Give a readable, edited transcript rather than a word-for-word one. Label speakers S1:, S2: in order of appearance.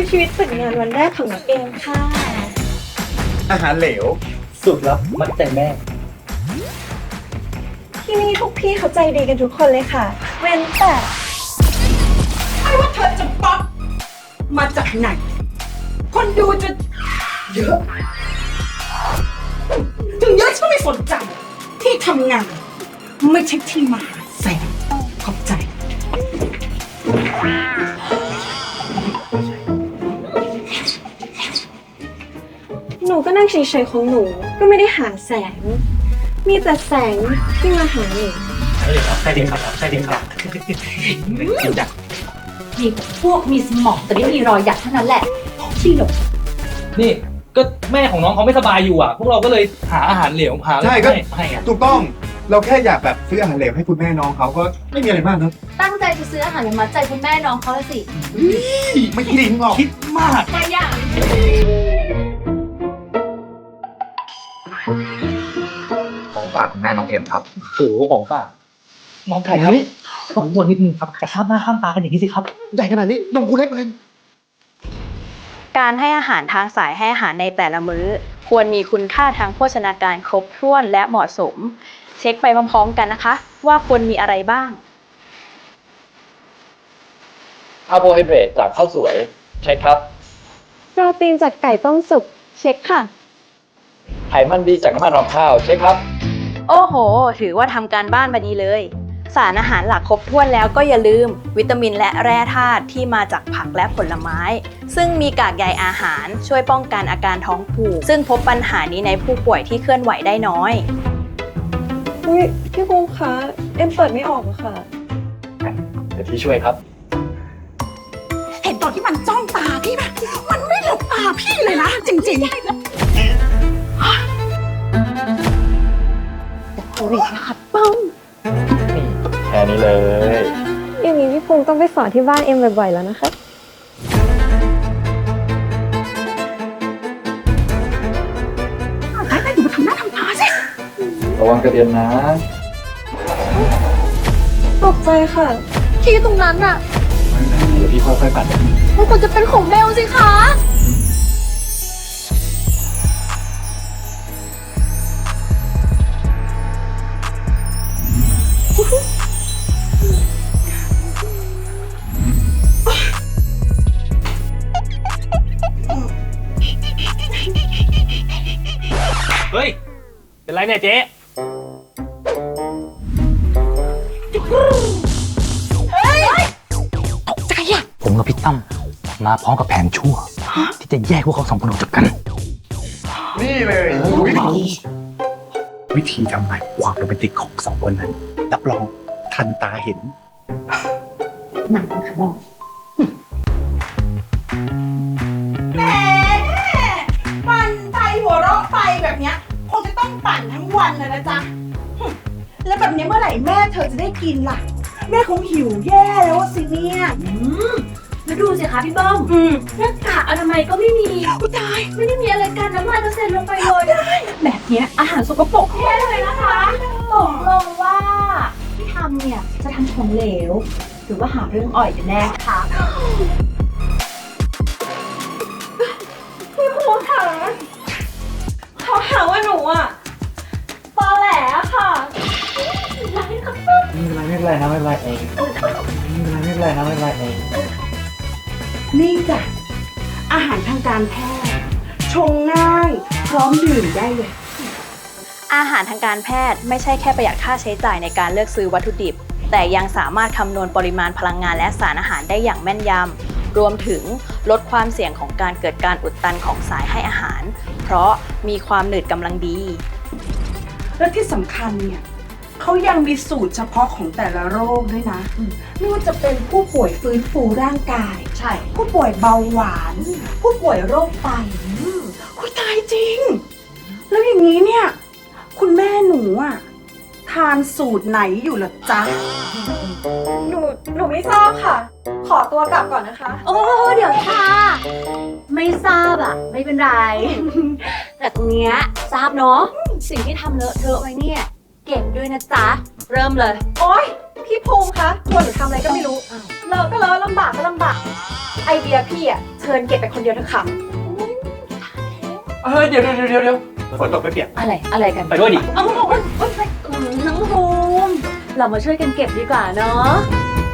S1: ชีวิตฝึกงานวันแรกของน้องเอมค่ะ
S2: อาหารเหลว
S3: สุดลับมัดใจแม่
S1: ที่นี่ทุกพี่เขาใจดีกันทุกคนเลยค่ะ เว้นแต่
S4: ไม่ว่าเธอจะป๊อปมาจากไหน คนดูจะเยอะ ถึงเยอะฉันไม่สนใจ ที่ทำงาน ไม่ใช่ที่มาหาแสงขอบใจ
S1: หนูก็นั่งเฉยๆของหนูก็ไม่ได้หาแสง มีแต่แสงที่มาหาหนู
S3: ใช่เด็กครับใช่เด็กครับจริงจัง
S5: มีพวกมีสมองแต่ไม่มีรอยหยักเท่านั้นแหละที่หลบ
S3: นี่ก็แม่ของน้องเขาไม่สบายอยู่อ่ะ พวกเราก็เลยหาอาหารเหลวหาอะไร
S2: ใช่ก็
S3: ให้อ่ะ
S2: ถูกต้องเราแค่อยากแบบซื้ออาหารเหลวให้คุณแม่น้องเขาก็ไม่มีอะไรมากนะ
S5: ตั้งใจจะซื้ออาหารมามัดใจคุณแม่น้องเขาละสิ
S2: ไม่คิดหรอก
S3: คิดมาก
S5: แต่อย่าง
S6: ของฝากคุณแม่น้องเอ็มครับ
S3: โอ้โหของฝากมองไก่ครับสองตัวนิดนึงครับกระชากหน้าข้ามตากันอย่างนี้สิครับ
S2: ใหญ่ขนาดนี้นมกูเล็กเลย
S7: การให้อาหารทางสายให้อาหารในแต่ละมื้อ ควรมีคุณค่าทางโภชนาการครบถ้วนและเหมาะสม เช็คไปพร้อมๆกันนะคะ ว่าควรมีอะไรบ้าง
S6: คาร์โบไฮเดรตจากข้าวสวย ใช่ครับ
S1: โปรตีนจากไก่ต้มสุกเช็คค่ะ
S6: ไขมันดีจากน้ำมันรองข้าว ใช่ครับ
S7: โอ้โห ถือว่าทำการบ้านมาดีเลย สารอาหารหลักครบถ้วนแล้วก็อย่าลืม วิตามินและแร่ธาตุที่มาจากผักและผลไม้ ซึ่งมีกากใยอาหารช่วยป้องกันอาการท้องผูก ซึ่งพบปัญหานี้ในผู้ป่วยที่เคลื่อนไหวได้น้อย
S1: อุ้ยพี่ภูมิคะ เอ็มเปิดไม่ออกอะค่ะ
S6: เดี๋ยวพี่ช่วยครับ
S4: เห็นตอนที่มันจ้องตาพี่ไหมมันไม่หลบตาพี่เลยนะ จริงๆ
S1: โอ้ยขัดป้อง
S6: นี่แค่นี้เลย
S1: อย่างนี้พี่ภูมิต้องไปสอนที่บ้านเอ็มบ่อยๆแล้วนะคะ
S4: ไปอยู่มาทำหน้าทำตาสิ
S6: ระวังกระเด็นนะ
S1: ตกใจค่ะ
S5: ที่ตรงนั้นน่ะ
S6: เดี๋ยวพี่ค่อยๆปัด
S5: มันควรจะเป็นของเบลสิคะ
S3: เฮ้ย เป็นไรเนี่ยเจ๊ ผมกับพี่ตั้มมาพร้อมกับแผนชั่ว ที่จะแยกพวกเขาสองคนออกจากกัน
S2: นี่เลย
S8: วิธีทำลายความโรแมนติกของสองคนนั้น รับรองทันตาเห็น
S4: แหมปั่นไปหัวเราะไปแบบเนี้ยคงจะต้องปั่นทั้งวันเลยนะจ๊ะแล้วแบบนี้เมื่อไหร่แม่เธอจะได้กินล่ะ แม่คงหิวแย่แล้วสิเนี่ย
S5: แล้วดูสิคะพี่เบิ้มหน้ากากอนามัยก็ไม่มีตายไม่ได้มีอะไรกันน้ำลายกระเซ็นลงไปเลยแบบเนี้ยอาหารสกปรกแน่เลยนะคะตกลงว่าที่ทำเนี่ยจะทำของเหลว หรือว่าหาเรื่องอ่อยกันแน่คะ
S1: พี่ภูมิค่ะเขาหาว่าหนูอะตอแหลอะค่ะ
S3: ไม่เป็นไรนะไม่เป็นไรเองไม่เป็นไรนะไม่เป็นไรเอง
S4: นี่จ้ะอาหารทางการแพทย์ชงง่ายพร้อมดื่มได้เลย
S7: อาหารทางการแพทย์ไม่ใช่แค่ประหยัดค่าใช้จ่ายในการเลือกซื้อวัตถุดิบ แต่ยังสามารถคำนวณปริมาณพลังงานและสารอาหารได้อย่างแม่นยำ รวมถึงลดความเสี่ยงของการเกิดการอุดตันของสายให้อาหาร เพราะมีความหนืดกำลังดี
S4: และที่สำคัญเนี่ยเขายังมีสูตรเฉพาะของแต่ละโรคด้วยนะไม่ว่าจะเป็นผู้ป่วยฟื้นฟูร่างกาย
S5: ใช่
S4: ผู้ป่วยเบาหวาน ผู้ป่วยโรคไตคุยตายจริง แล้วอย่างนี้เนี่ย คุณแม่หนูอะทานสูตรไหนอยู่ล่ะจ๊ะ
S1: หนูไม่ทราบค่ะ ขอตัวกลับก่อนนะคะ
S5: โอ้เดี๋ยวค่ะ ไม่ทราบอ่ะ ไม่เป็นไร แต่ตรงเนี้ยทราบเนาะสิ่งที่ทำเลอะเทอะไว้เนี่ย เก็บด้วยนะจ๊ะ เริ่มเลย
S1: โอ๊ย พี่พี่ภูมิคะชวนหนูทำอะไรก็ไม่รู้เลอะก็เลอะลำบากก็ลำบาก ไอเดียพี่อะเชิญเก็บไปคนเดียวเถอะค่ะ
S6: เดี๋ยว
S2: ฝนตกไม่เปียก
S5: อะไรกัน
S6: ไปด้วยดิ
S5: น้องภูมิเรามาช่วยกันเก็บดีกว่าเนาะ